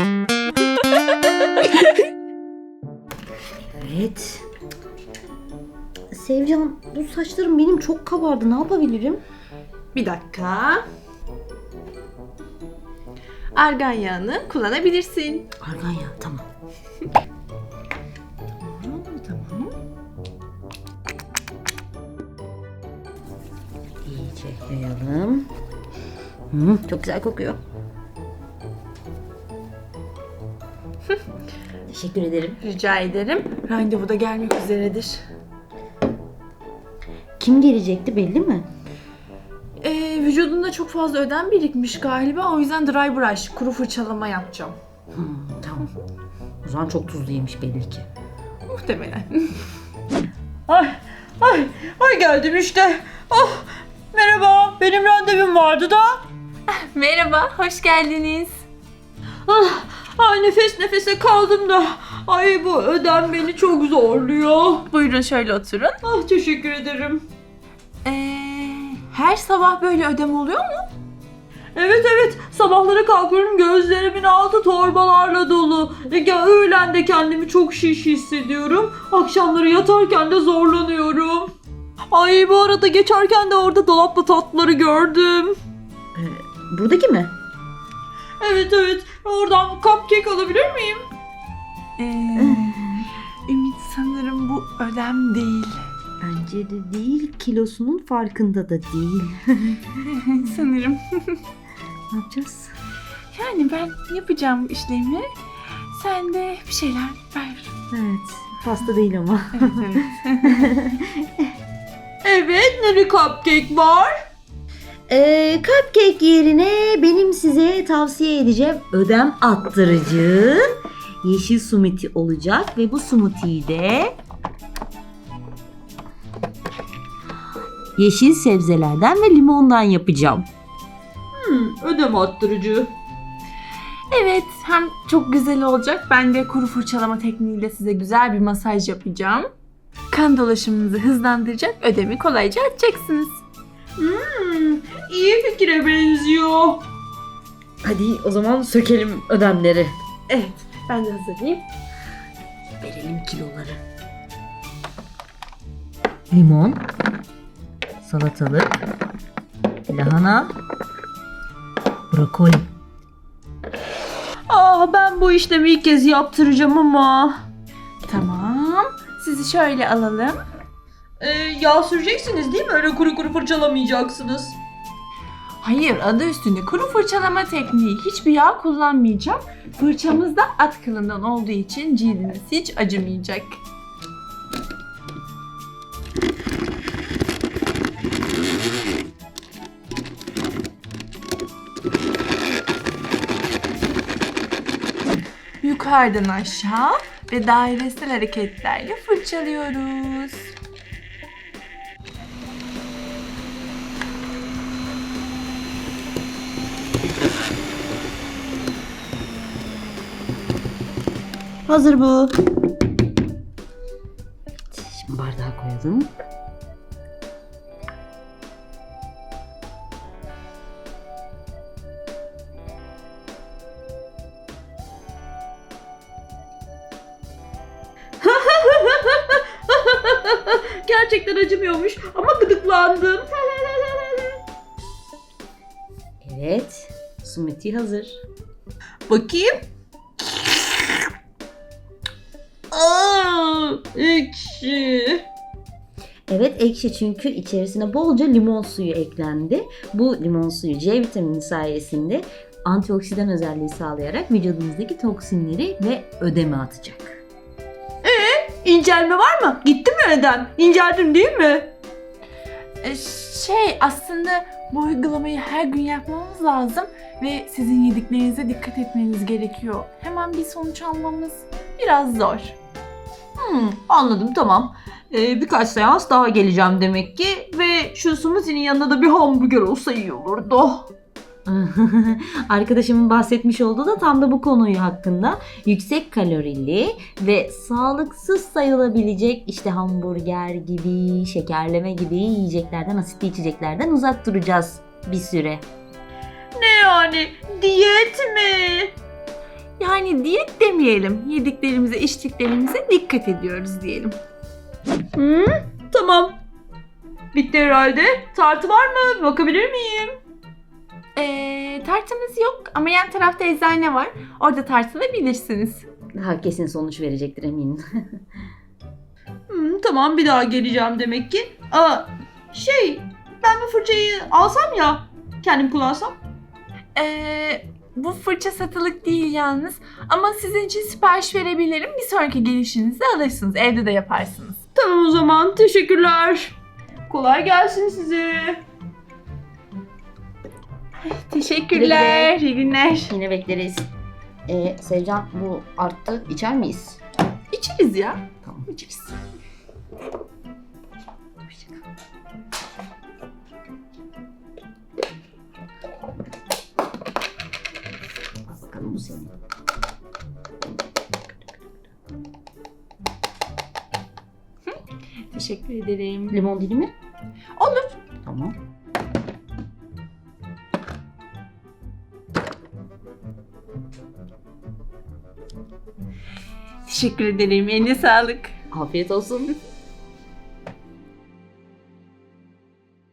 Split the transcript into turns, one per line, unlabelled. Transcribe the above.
Evet. Sevcan, bu saçlarım benim çok kabardı. Ne yapabilirim?
Bir dakika. Argan yağını kullanabilirsin.
Argan yağı, tamam.
Tamam.
İyice yayalım. Çok güzel kokuyor. Teşekkür ederim.
Rica ederim. Randevu da gelmek üzeredir.
Kim gelecekti, belli mi?
Vücudunda çok fazla ödem birikmiş galiba. O yüzden dry brush, kuru fırçalama yapacağım.
Tamam. O zaman çok tuzlu yemiş belli ki.
Muhtemelen.
Ay geldim işte. Oh, merhaba, benim randevum vardı da.
Merhaba, hoş geldiniz.
Ay nefes nefese kaldım da. Ay bu ödem beni çok zorluyor.
Buyurun şöyle oturun.
Ah teşekkür ederim.
Her sabah böyle ödem oluyor mu?
Evet, sabahları kalkıyorum, gözlerimin altı torbalarla dolu. Öğlen de kendimi çok şiş hissediyorum. Akşamları yatarken de zorlanıyorum. Ay bu arada geçerken de orada dolapta tatlıları gördüm.
Buradaki mi?
Evet, oradan cupcake alabilir miyim?
Ümit, sanırım bu ödem değil.
Bence de değil. Kilosunun farkında da değil.
Sanırım.
Ne yapacağız?
Yani ben yapacağım bu işlemi. Sen de bir şeyler ver.
Evet. Pasta değil ama.
Evet.
Evet, neli cupcake var?
Cupcake yerine benim size tavsiye edeceğim ödem attırıcı yeşil smoothie olacak ve bu smoothie'yi de yeşil sebzelerden ve limondan yapacağım.
Ödem attırıcı.
Evet, hem çok güzel olacak. Ben de kuru fırçalama tekniğiyle size güzel bir masaj yapacağım. Kan dolaşımınızı hızlandıracak, ödemi kolayca atacaksınız.
İyi fikire benziyor.
Hadi o zaman sökelim ödemleri.
Evet, ben de hazırlayayım.
Verelim kiloları. Limon, salatalık, lahana, brokoli.
Ben bu işlemi ilk kez yaptıracağım ama.
Tamam, sizi şöyle alalım.
Yağ süreceksiniz değil mi? Öyle kuru kuru fırçalamayacaksınız.
Hayır, adı üstünde kuru fırçalama tekniği. Hiçbir yağ kullanmayacağım. Fırçamız da at kılından olduğu için cildiniz hiç acımayacak. Yukarıdan aşağı ve dairesel hareketlerle fırçalıyoruz.
Hazır bu. Şimdi bardağa koyalım.
Gerçekten acımıyormuş ama gıdıklandım.
Evet. Smoothie hazır.
Bakayım. Ekşi.
Evet, ekşi çünkü içerisine bolca limon suyu eklendi. Bu limon suyu C vitamini sayesinde antioksidan özelliği sağlayarak vücudunuzdaki toksinleri ve ödemi atacak.
İncelme var mı? Gitti mi ödem? İnceldim değil mi?
Aslında bu uygulamayı her gün yapmamız lazım ve sizin yediklerinize dikkat etmeniz gerekiyor. Hemen bir sonuç almamız biraz zor.
Anladım, tamam. Birkaç seans daha geleceğim demek ki ve şu smoothie'nin yanında da bir hamburger olsa iyi olurdu.
Arkadaşımın bahsetmiş olduğu da tam da bu konuyu hakkında. Yüksek kalorili ve sağlıksız sayılabilecek işte hamburger gibi, şekerleme gibi yiyeceklerden, asitli içeceklerden uzak duracağız bir süre.
Ne yani? Diyet mi?
Yani Yani diyet demeyelim. Yediklerimize, içtiklerimize dikkat ediyoruz diyelim.
Tamam. Bitti herhalde. Tartı var mı? Bakabilir miyim?
Tartımız yok ama yan tarafta eczane var. Orada tartılabilirsiniz.
Daha kesin sonuç verecektir eminim.
Tamam, bir daha geleceğim demek ki. Ben bu fırçayı alsam ya, kendim kullansam.
Bu fırça satılık değil yalnız. Ama sizin için sipariş verebilirim. Bir sonraki gelişinizde alırsınız. Evde de yaparsınız.
Tamam o zaman, teşekkürler. Kolay gelsin size.
Teşekkürler. İyi günler.
Yine bekleriz. Sevcan, bu arttı. İçer miyiz?
İçeriz ya.
Tamam.
İçeriz.
Al bakalım, bu senin.
Teşekkür ederim.
Limon dilimi?
Olur.
Tamam.
Teşekkür ederim. Eline sağlık.
Afiyet olsun.